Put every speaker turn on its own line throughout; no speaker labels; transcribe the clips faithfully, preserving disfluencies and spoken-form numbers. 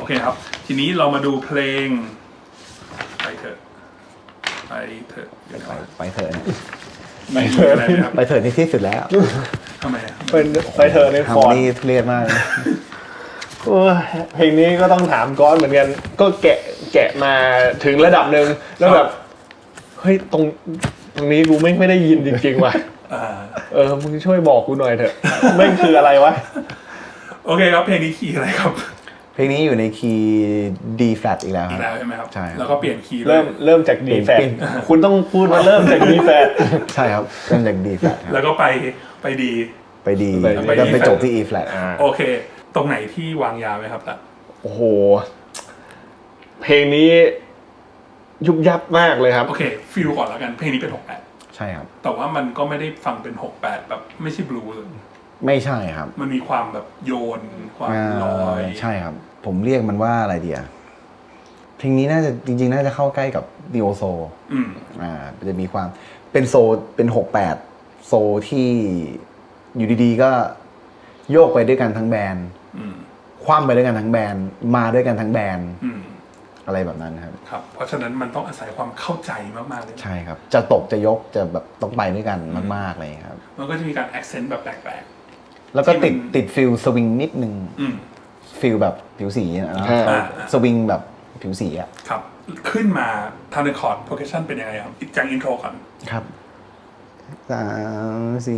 อเคครับทีนี้เรามาดูเพลงไปเถอะไปเถอะไป
ไปเถอะ
ไปเถอะอะไรนะครับ
ไปเถอะในที่สุดแล้ว
ทำไม
เป็นไปเถอะในคอร์ด
นี่ทุเรศมาก
เพลงนี้ก็ต้องถามก้อนเหมือนกันก็แกะแกะมาถึงระดับหนึ่งแล้วแบบเฮ้ยตรงตรงนี้กูไม่ไม่ได้ยินจริงๆว่ะเออมึงช่วยบอกกูหน่อยเถอะไม่คืออะไรวะ
โอเคครับเพลงนี้คีย์อะไรครับ
เพลงนี้อยู่ในคีย์ D flat อีกแล้ว
อีกแล้วใช่ไหมครับ
ใช่
แล้วก็เปลี่ยนคีย์
เริ่มเริ่มจาก D flat คุณต้องพูดว่าเริ่มจาก D flat
ใช่ครับเริ่มจาก D flat
แล้วก็ไปไปดี
ไปดีแล้วไปจบที่ E flat
โอเคตรงไหนที่วางยาไหมครับล่ะ
โอ้โหเพลงนี้ยุบยับมากเลยครับ
โอเคฟิลก่อนแล้วกันเพลงนี้เป็นหกแปด
ใช่ครับ
แต่ว่ามันก็ไม่ได้ฟังเป็นหกแปดแบบไม่ใช่บลูส์
ไม่ใช่ครับ
มันมีความแบบโยนความลอย
ใช่ครับผมเรียกมันว่าอะไรเดียเพลงนี้น่าจะจริงๆน่าจะเข้าใกล้กับดิโอโซ
อืม
อ่าจะมีความเป็นโซเป็นหกแปดโซที่อยู่ดีๆก็โยกไปด้วยกันทั้งแบนด์คว่ำไปด้วยกันทั้งแบนด์มาด้วยกันทั้งแบนด์อะไรแบบนั้นครับ
ครับเพราะฉะนั้นมันต้องอาศัยความเข้าใจมากๆเลย
ใช่ครับจะตกจะยกจะแบบต้องไปด้วยกันมากๆเลยครับ
มันก็จะมีการแอคเซนต์แบบแปลก
ๆแล้วก็ติดติดฟิลสวิงนิดนึงฟิลแบบผิวสีนะสวิงแบบผิวสีอ่ะ
ครับขึ้นมาทางในคอร์ดโปรเกรสชั่นเป็นยังไงครับจากอินโทรก่อน
ครับสามสี่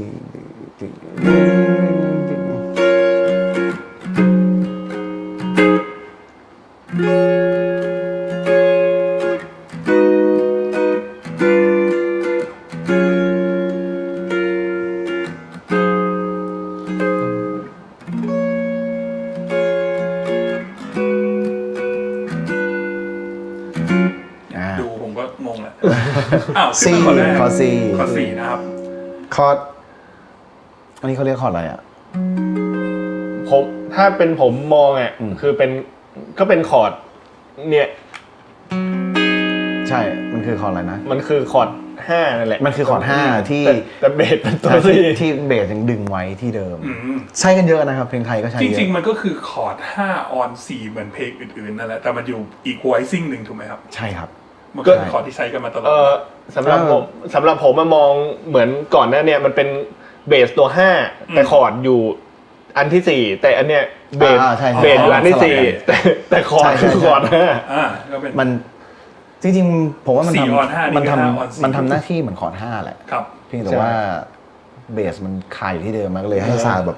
ดูผมก็งงแหละอ้าว
ซีคอร์ดซี
คอร์ดสี่นะครับ
คอร์ดอันนี้เขาเรียกคอร์ดอะไรอ่ะ
ผมถ้าเป็นผมมองอ่ะคือเป็นก็เป็นคอร์ดเนี่ย
ใช่มันคือคอร์ดอะไรนะ
มันคือคอร์ดห้านั่นแหละ
มันคือคอร์ดห้าที่
แต่เบสเป็นตัว
ที่ที่เบสยังดึงไว้ที่เดิมใช้กันเยอะนะครับเพลงไทยก็ใช้เยอะ
จริงๆมันก็คือคอร์ดห้าออนสี่เหมือนเพลงอื่นๆนั่นแหละแต่มันอยู่อีกไวซิ่งหนึ่งถูกไหมครับ
ใช่ครับ
มันก็คอร์ดที่ใช้กันมาตลอด
สำหรับผมสำหรับผมมามองเหมือนก่อนหน้าเนี่ยมันเป็นเบสตัวห้าแต่คอร์ดอยู่อันที่สี่แต่อันเนี้ยเบสเบสอยู่อันที่สี่แต่แต่คอร์ดคือคอร์ดห้า
มันจริงๆผมว่ามันทำมันทำมันทำหน้าที่เหมือนคอร์ดห้าแหละเพียงแต่ว่าเบสมันคาอยู่ที่เดิมมันก็เลยให้ซาวแบบ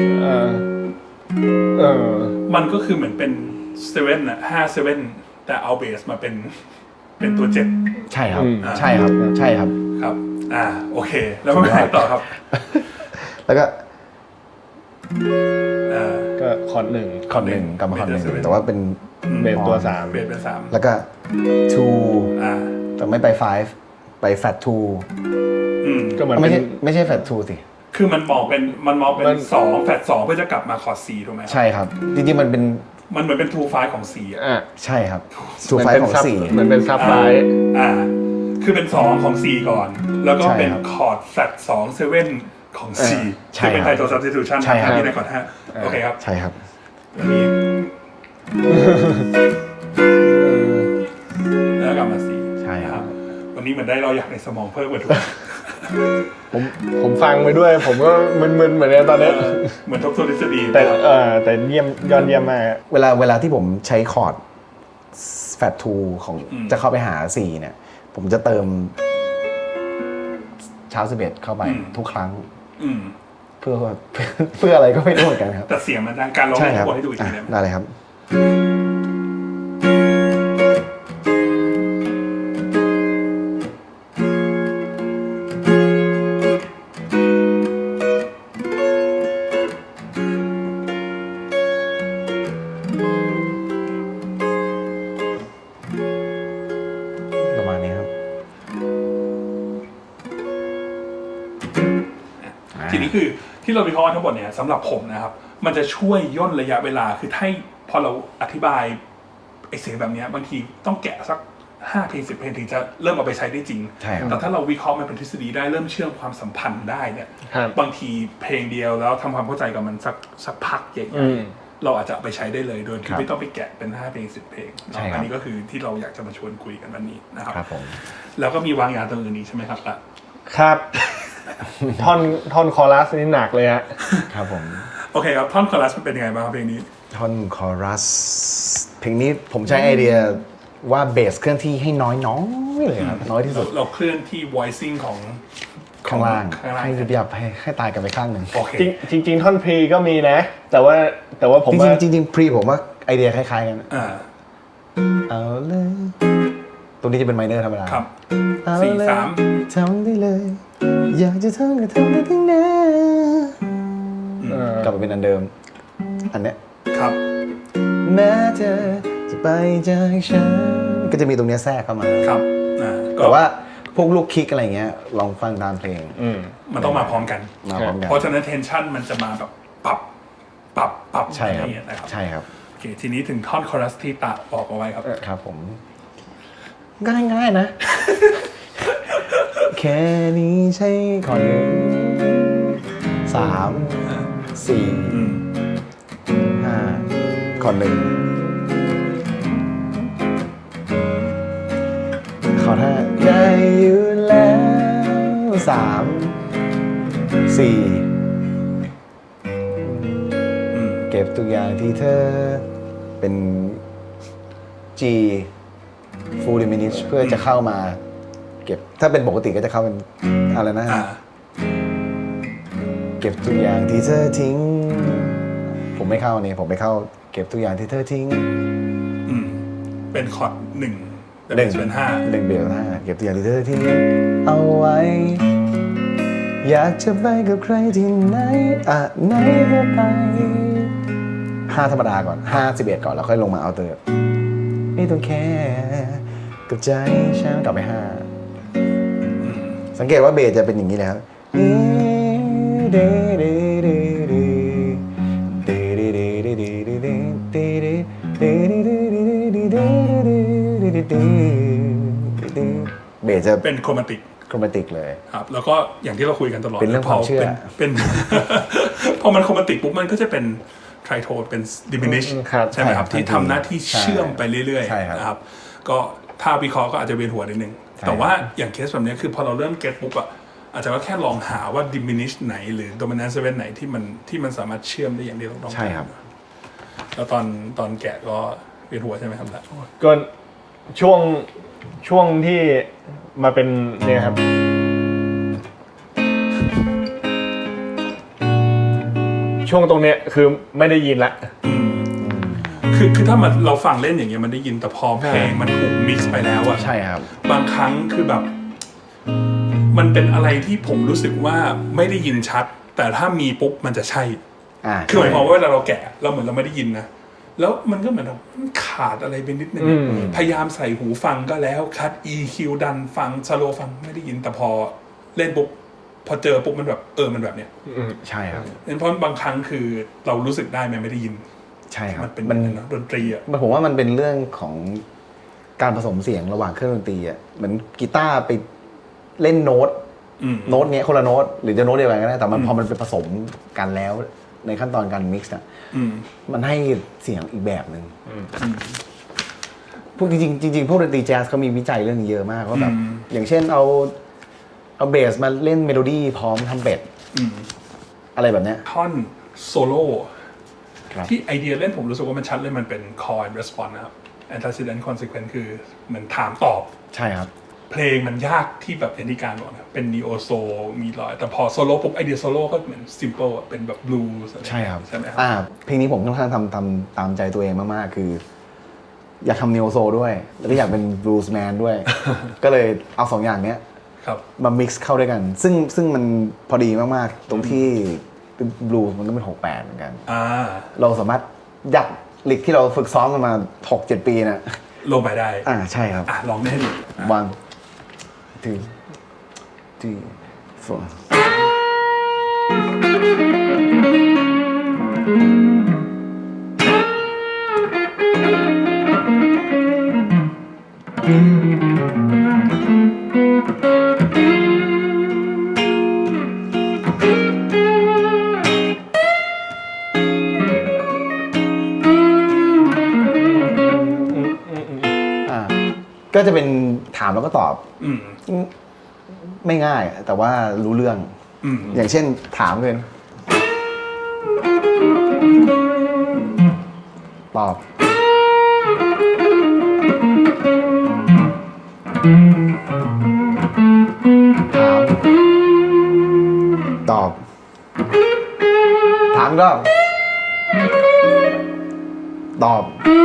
เออมันก็คือเหมือนเป็นเซเว่นอะห้าเซเว่นแต่เอาเบสมาเป็นเป็นตัวเจ็ด
ใช่ครับใช่ครับใช่ครับ
ครับอ่าโอเคแล้วไปไหนต่อครับ
แล้วก็
ก็คอร์ดหนึ่ง
คอร์ดหนึ่งกลับมาคอร์ดหนึ่งแต่ว่าเป็น
เบสตัวสาม
เบสเป็นสาม
แล้วก็ two แต่ไม่ไป five ไป flat two
ก็เหมือน
ไม่ใช่ไม่ใช่ flat two สิ
คือมันมองเป็นมันมองเป็นสองแฟลตสองเพื่อจะกลับมาคอร์ด C ถูกไหม
ใช่ครับจริงๆมันเป็น
มันเหมือนเป็น two five ของ C
อ่ะใช่ครับ two five ของ C
เหมือนเป็นซับไฟ
อ่าคือเป็นสองของ C ก่อนแล้วก็เป็นคอร์ดแฟลตสองเซเว่นของ C ที่เป็นไทโท substitution ที่ในคอร์ดห้าโอเคครับ
ใช่ครับ
วันนี้แล้วกลับมา C
ใช่ครับ
วันนี้เหมือนได้เราอยากในสมองเพิ่มกว่าทุก
ผมผมฟังไปด้วยผมก็มึนๆเหมือนกันตอนนี้
เหมือนทบทวนทฤษฎี
แต่เออแต่เยี่ยมยอดเยี่ยมมาก
เวลาเวลาที่ผมใช้คอร์ด flat two ของจะเข้าไปหา C เนี่ยผมจะเติมเช้าสิบเอ็ดเข้าไปทุกครั้งเพื่อเพื่ออะไรก็ไม่รู้เหมือนกันครับ
แต่เสียงมันดังการร้องให้ให้ดูอีกที
ได้เลยครับ
ทีนี้คือที่เราวิเคราะห์ทั้งหมดเนี่ยสำหรับผมนะครับมันจะช่วยย่นระยะเวลาคือถ้าพอเราอธิบายไอ้เสียงแบบนี้บางทีต้องแกะสักห้าเพลงสิบเพลงถึงจะเริ่มเอาไปใช้ได้จริงแต่ถ้าเราวิเคราะห์มันเป็นทฤษฎีได้เริ่มเชื่อมความสัมพันธ์ได้เนี่ยบางทีเพลงเดียวแล้วทำความเข้าใจกับมันสักสักพักใหญ่เราอาจจะเอาไปใช้ได้เลยโดย
ค
ที่
รับ
ไม่ต้องไปแกะเป็นห้าเพลงสิบเพลง
ใช่ครับ
อันนี้ก็คือที่เราอยากจะมาชวนคุยกันวันนี้นะครับ
ครับผม
แล้วก็มีวางยาตัวอื่นนี้ใช่ไหมครับล่ะ
ครับ ท่อนท่อนคอรัสนี่หนักเลยฮะ
ครับผม
โอเคครับท่อนคอรัสมันเป็นยังไงบ้างครับเพลงนี้
ท่อนคอรัสเพลงนี้ผมใช้ไอเดียว่าเบสเคลื่อนที่ให้น้อยน้อยเลยครับน้อยที่สุ
เรา
ด
เราเคลื่อนที่ voicing ของ
ข้างล่าง
ข้างล่าง
ให้ยุบยับให้ให้ตายกันไปข้างหนึ่ง
โอเค
จริงจริง ๆ ท่อนพรีก็มีนะ แต่ว่าแต่ว่าผม
จ
ว่า
ริงๆจริงๆพรีผมว่าไอเดียคล้ายๆกัน
อ่า
เอาเลยตรงนี้จะเป็นไมเนอร์ธรรมดา
ครับ
เอ
สี่
เลย
สาม
ทำได้เลย อยากจะทำก็ทำได้ทั้งนั้น
เออก
ลับมาเป็นอันเดิม อันเนี้ย
ครับ
แม้เธอจะไปจากฉันก็จะมีตรงเนี้ยแทรกเข้ามา
ครับอ่าก็
แต่ว่าพวกลูกคิกอะไรเงี้ยลองฟังตามเพลง
อืม
มันต้องมาพร้อมกัน
มาพร้อมกัน
เพราะฉะนั้น tension มันจะมาแบบปรับปรับปรับ
ใช่ครับ
อย่างเงี้ยนะครับ
ใช่ครับ
โอเคทีนี้ถึงท่อนคอรัสที่ตาบอกเอาไว้ครับ
ครับผมง่ายๆนะ แค่นี้ใช่ขอหนึ่งสามสี่
อืม
ห้าขอหนึ่งขอถ้าได้อยู่แล้วสามสี่
อืม
เก็บทุกอย่างที่เธอเป็น G full diminish เพื่อจะเข้ามา เก็บถ้าเป็นปกติก็จะเข้าเป็นอะไรนะ
อ่า
เก็บทุกอย่างที่เธอทิ้ง ผมไม่เข้านี่ผมไปเข้า เก็บทุกอย่างที่เธอทิ้ง
อืมเป็นคอร์ดหนึ่งแต่
ห
เป็
นึ่
น
ง
เป็นห้า
หนึ่งเบลห้าเก็บตัวอย่างที่เธอทิ้งเอาไว้ อยากจะไปกับใครที่ไหนอ่ะไหนก็ไปห้าธรรมดาก่อนห้าสิบเอ็ดก่อนแล้วค่อยลงมาเอาเตอร์ไม่ต้องแค่กับใจฉันกลับไปห้าสังเกตว่าเบสจะเป็นอย่างนี้แล้วเบสจะ
เป็นโครมาติก
โครแมติกเลย
ครับแล้วก็อย่างที่เราคุยกันตลอด
เป็นเรื่องความเชื่อ
พเป็น พอมันโครมาติกปุ๊บมันก็จะเป็นไทรโทนเป็นดิมินิช
ครับ
ใช่ไหมครับ
ใช่ครับ
ที่ทำหน้าที่
ใช่
เชื่อมไปเรื่อย
ใช่ครับ
ๆนะครับก็ถ้าวิเคราะห์ก็อาจจะเวียนหัวนิดนึง
ใช่
แต่ว่าอย่างเคสแบบนี้คือพอเราเริ่มเก็ตปุ๊บอะอาจจะว่าแค่ลองหาว่า diminish ไหนหรือ dominant seven ไหนที่มันที่มันสามารถเชื่อมได้อย่างที่เราต้องการ
ใช่ครับ
แล้วตอนตอนแกะก็เวียนหัวใช่ไหมครับล่ะ
ก็ช่วงช่วงที่มาเป็นเนี่ยครับ ช่วงตรงเนี้ยคือไม่ได้ยินละ
คือคือถ้ามันเราฟังเล่นอย่างเงี้ยมันได้ยินแต่พอเพลงมันถูกมิกซ์ไปแล้วอะ
ใช่ครับ
บางครั้งคือแบบ มันเป็นอะไรที่ผมรู้สึกว่าไม่ได้ยินชัด แต่ถ้ามีปุ๊บมันจะใช่
อ่า
คือหมายความว่าเวลาเราแกะเราเหมือนเราไม่ได้ยินนะแล้วมันก็เหมือนแบบมันขาดอะไรไปนิดนึง
อืม
พยายามใส่หูฟังก็แล้วคัด อี คิว ดันฟังสโลฟังไม่ได้ยินแต่พอเล่นปุ๊บพอเจอปุ๊บมันแบบเออมันแบบเนี้ย
ใช่ครับ
เพราะบางครั้งคือเรารู้สึกได้มันไม่ได้ยิน
ใช่ครับ
มันเป็น
มัน
เนอะดนตรีอ่ะ
ผมว่ามันเป็นเรื่องของการผสมเสียงระหว่างเครื่องดนตรีอ่ะเหมือนกีตาร์ไปเล่นโน้ต
อืม
โน้ตเนี้ยคนละโน้ตหรือจะโน้ตเดียวกันก็ได้แต่มัน
อืม
พอมันไปผสมกันแล้วในขั้นตอนการมิกซ์อ่ะ
อืม
มันให้เสียงอีกแบบหนึ่งพวกจริงๆจริงๆพวกดนตรีแจ๊สเขามีวิจัยเรื่องนี้เยอะมากว่าแบบ
อืม
อย่างเช่นเอาเอาเบสมาเล่นเมโลดี้พร้อมทำเป็ด
อืม
อะไรแบบเนี้ย
ท่อนโซโล่
ครับ
ที่ไอเดียเล่นผมรู้สึกว่ามันชัดเลยมันเป็น call and response นะครับ antecedent consequence คือเหมือนถามตอบ
ใช่ครับ
เพลงมันยากที่แบบอย่างที่การบอกนะเป็น neo soul มีรอย แต่พอโซโล่ปุ๊บไอเดียโซโล่ก็เหมือน simple อะเป็นแบบ blues อะไร
ใช่ครับ
ใช่ไหมครับ
อ่าเพลงนี้ผมค่อนข้างทำทำตามใจตัวเองมาก ๆ คือ อยากทำนิโอโซด้วย แล้วก็อยากเป็นบลูส์แมนด้วย ก็เลยเอาสองอย่างเนี้ย
ครับ
มา mix เข้าด้วยกัน ซึ่งซึ่งมันพอดีมาก ๆ ตรงที่บลูส์มันก็เป็นหกแปดเหมือนกัน
อ่า
เราสามารถยัดลิกที่เราฝึกซ้อมกันมาหกเจ็ดปีนะ
ลงไปได้
อ่าใช่ครับ
อ่ะลองได้ให้ดูอ่ะ
one two three four ก็จะเป็นถามแล้วก็ตอบ
อืม
ไม่ง่าย แต่ว่ารู้เรื่อง
อืม
อย่างเช่นถามเลยตอบถามตอบถามก็ตอบ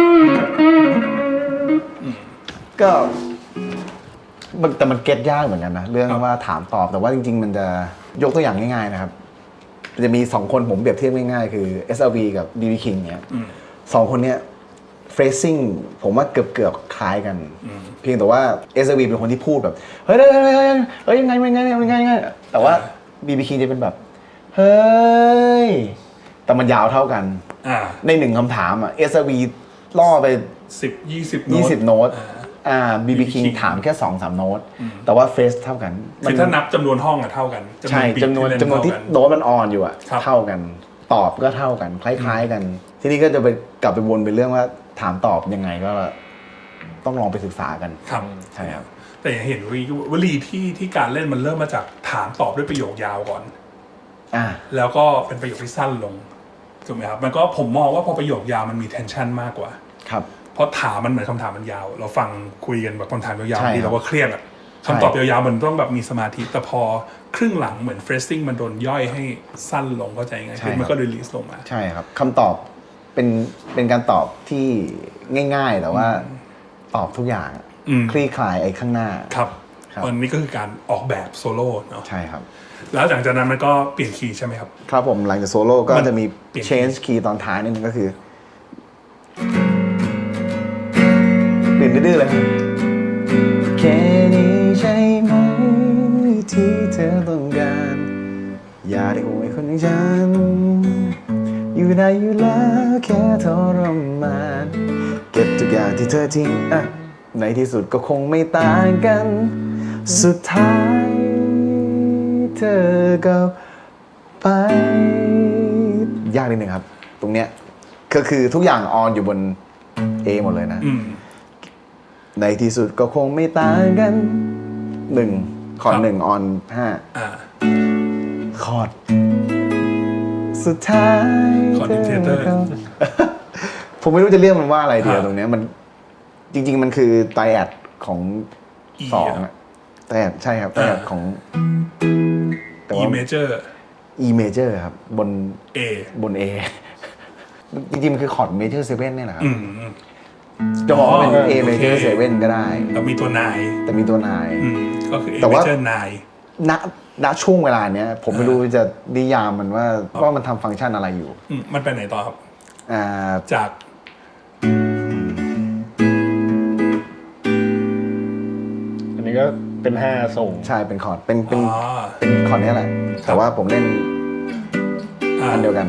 ก็มันแต่มันเก็ตยากเหมือนกันนะเรื่องว่าถามตอบแต่ว่าจริงๆมันจะยกตัวอย่างง่ายๆนะครับจะมีสองคนผมเปรียบเทียบง่ายๆคือ เอส แอล วี กับ บี บี King เนี่ยสองคนเนี้ย phrasing ผมว่าเกือบเกือบคล้ายกันเพียงแต่ว่า เอส แอล วี เป็นคนที่พูดแบบเฮ้ยเฮ้ยเฮ้ยเฮ้ยยังไงยังไงยังไงยังไงแต่ว่า บี บี King จะเป็นแบบเฮ้ยแต่มันยาวเท่ากัน
อ่า
ในหนึ่งคำถามอ่ะ เอส แอล วี ล่อไป
สิบยี่สิบ
ยี่สิบโน้ต
อ่า
อ่า บี บี King ถามแค่สองสามโน้ตแต่ว่าเฟสเท่ากัน
คือถ้านับจำนวนห้องอะเท่ากัน
ใช่จำนวน
beat
จำนวนที่
เล่
โน้ตมันออนอยู่อะ
ครับ
เท่ากัน ตอบก็เท่ากัน คล้ายๆกัน ทีนี้ก็จะไปกลับไปวนไปเรื่องว่าถามตอบยังไงก็ต้องลองไปศึกษากัน
ครับ
ใช่ครับ
แต่อย่างเห็นวลีที่ที่การเล่นมันเริ่มมาจากถามตอบด้วยประโยคยาวก่อน
อ่า
แล้วก็เป็นประโยคที่สั้นลงถูกไหมครับมันก็ผมมองว่าพอประโยคยาวมันมี tension มากกว่า
ครับ
เพราะถามมันเหมือนคำถามมันยาว เราฟังคุยกันแบบคำถามยาว
ใช่
ๆ
ครับ
ที่เราก็เครียดอะคำตอบยาวๆมันต้องแบบมีสมาธิแต่พอครึ่งหลังเหมือน phrasing มันโดนย่อยให้สั้นลงเข้าใจไงคือมันก็ release ลงมา
ใช่ครับคำตอบเป็นเป็นการตอบที่ง่ายๆ แต่ว่าตอบทุกอย่าง
อืม
คลี่คลายไอ้ข้างหน้า
ครับ
ครับ
วันนี้ก็คือการออกแบบโซโล่เนาะ
ใช่ครับ
แล้วหลังจากนั้นมันก็เปลี่ยนคีย์ใช่ไหมครับ
ครับผมหลังจากโซโล่ก็
มัน
จะมี
เปลี่ยน
change key ตอนท้ายนิดนึงก็คือเปลี่ยนดื้อๆเลยครับแค่นี้ใช่ไหมที่เธอต้องการอย่าได้โวยคนอย่างฉันอยู่ได้อยู่แล้วแค่ทรมานเก็บทุกอย่างที่เธอทิ้งอ่ะในที่สุดก็คงไม่ต่างกันสุดท้ายเธอก็ไปยากนิดนึงครับ ตรงเนี้ยก็คือทุกอย่างออนอยู่บน A หมดเลยนะ
อืม
ในที่สุดก็คงไม่ต่างกันหนึ่งคอร์ด
ครับ
หนึ่งออนห้า
อ่า
คอร์ดสุดท้าย
คอร์ด dictator
ธก็ ผมไม่รู้จะเรียกมันว่าอะไรเดียว
อ่า
ตรงเนี้ยมันจริง ๆ มันคือไตรแอดของ
E
สอง
อะ
อะไตรแอดใช่ครับไตรแอด
อ่า
ของ แต่
E
ว่า
major
E major ครับบน
A
บน A จริงๆ มันคือคอร์ด major เซเว่นเนี่ยแหละครับ
อืม
จะบอกว่าเป็น A
โอเค
major เซเว่นก็ได้
เรามีตัวนาย
แต่มีตัวนาย
อืมก็คือ A
แต่ว่า
major นาย
ณณช่วงเวลาเนี้ย ผมไม่รู้จะนิยามมันว่าว่ามันทำฟังก์ชันอะไรอยู่
อืมมันไปไหนต่อครับ
อ่า
จาก
อันนี้ก็เป็นห้าส่ง
ใช่เป็นคอร์ดเป็นเป็น
อ๋อ
เป็นคอร์ดเนี้ยแหละ แต่ว่าผมเล่น
อ่า
อันเดียวกัน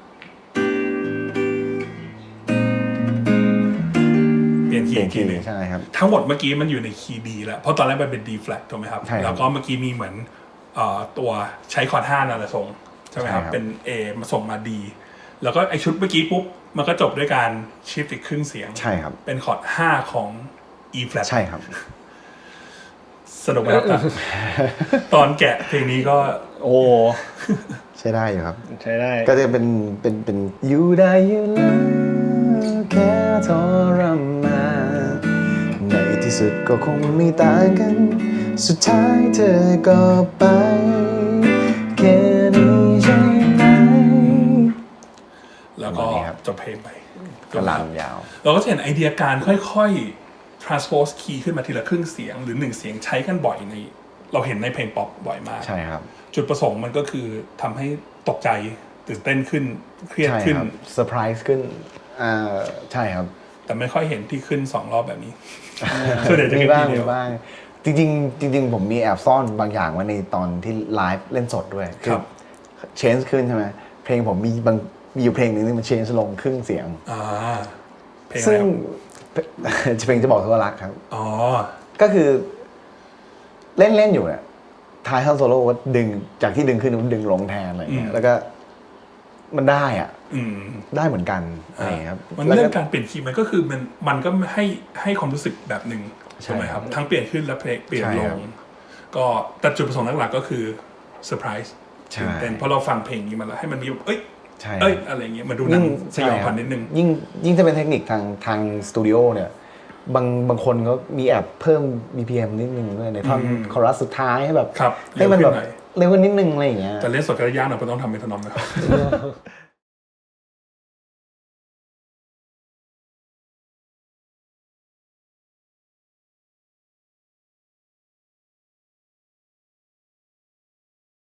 เปลี่ยนคี
เปลี่ย
ย์
น
ที
คี
หนึง
ย์ใช่ครับ
ทั้งหมดเมื่อกี้มันอยู่ในคีย์ D แล้ว เพราะตอนแรกมันเป็น D flat ถูกไหมครับ
ใช่ครับ
แล้วก็เมื่อกี้มีเหมือนเอ่อตัวใช้คอร์ดห้านั่นแหละส่งใช่ไหมครับ
ใช่ครับ
เป็น A มาส่งมา D แล้วก็ไอชุดเมื่อกี้ปุ๊บ มันก็จบด้วยการชิฟต์อีกครึ่งเสียง
ใช่ครับ
เป็นคอร์ดห้าของ E flat
ใช่ครับ
สนุกไหมครับ ตอนแกะเพลงนี้ก็
โอ้
ใช้ได้อยู่ครับ
ใช้ได้
ก็จะเป็นเป็นเป็นอยู่ได้อยู่แล้วแค่ทรมานในที่สุดก็คงไม่ต่างกัน สุดท้ายเธอก็ไปแค่นี้ใช่ไหม
แล้วก็
ประมาณนี้ครับ
จบเพลงไป
ก็ลามยาว
เราก็จะเห็นไอเดียการค่อยๆ transpose key ขึ้นมาทีละครึ่งเสียง หรือหนึ่งเสียงใช้กันบ่อยใน เราเห็นในเพลงป๊อปบ่อยมาก
ใช่ครับ
จุดประสงค์มันก็คือทำให้ตกใจตื่นเต้นขึ้นเครียด
ใช่
ขึ้น
ครับเซอร์ไพรส์ขึ้นอ่าใช่ครับ
แต่ไม่ค่อยเห็นที่ขึ้นสองรอบแบบนี้ ส่วนใหญ่จะ
มี
ขึ้น
บ้าง
ทีเดี
มี
ยว
บ้างจริงๆจริง ๆ ผมมีแอบซ่อนบางอย่างไว้ในตอนที่ไลฟ์เล่นสดด้วย
ครับ
เชนส์ขึ้นใช่ไหมเพลงผมมีบางมีอยู่เพลงหนึ่งที่มันเชนส์ลงครึ่งเสียง
อ่าเพลงอะไร
ซึ่ง
ครับ
เพลงจะบอกเธอว่ารักครับ
อ๋อ
ก็คือเล่นเล่นอยู่เนี่ยท้ายท่อนโซโล่ว่าดึงจากที่ดึงขึ้นมันดึงลงแทนอะไรเงี้
อื
ย
ม
แล้วก็มันได้อ่ะ
อืม
ได้เหมือนกันอะไรเงี้ยครับ
มัน
แล้ว
เรื่
ก็
องการเปลี่ยนคีย์มันก็คือมันมันก็ให้ให้ความรู้สึกแบบหนึ่งใช่ไหมครับทั้งเปลี่ยนขึ้นและเพลงเปลี่ยนลงก็แต่จุดประสงค์หลักๆก็คือเซอร์ไพรส์ตื่นเต้นเพราะเราฟังเพลงนี้มาแล้วให้มันมีแบบเอ้ยเอ้ยอะไรเงี้ยมาดูหนังสยองขวัญนิดนึง
ยิ่งยิ่งจะเป็นเทคนิคทางทางสตูดิโอเนี่ยบางบางคนก็มีแอบเพิ่ม บี พี เอ็ม นิดนึงด้วยในท่อนคอรัสสุดท้ายให้แบบให้มันแบบเร็วขึ้นนิดนึงอะไรอย่างเงี้ย
แต่เล่นสดก็ยากหน่อยเพราะต้องทำเมทานอมนะครับ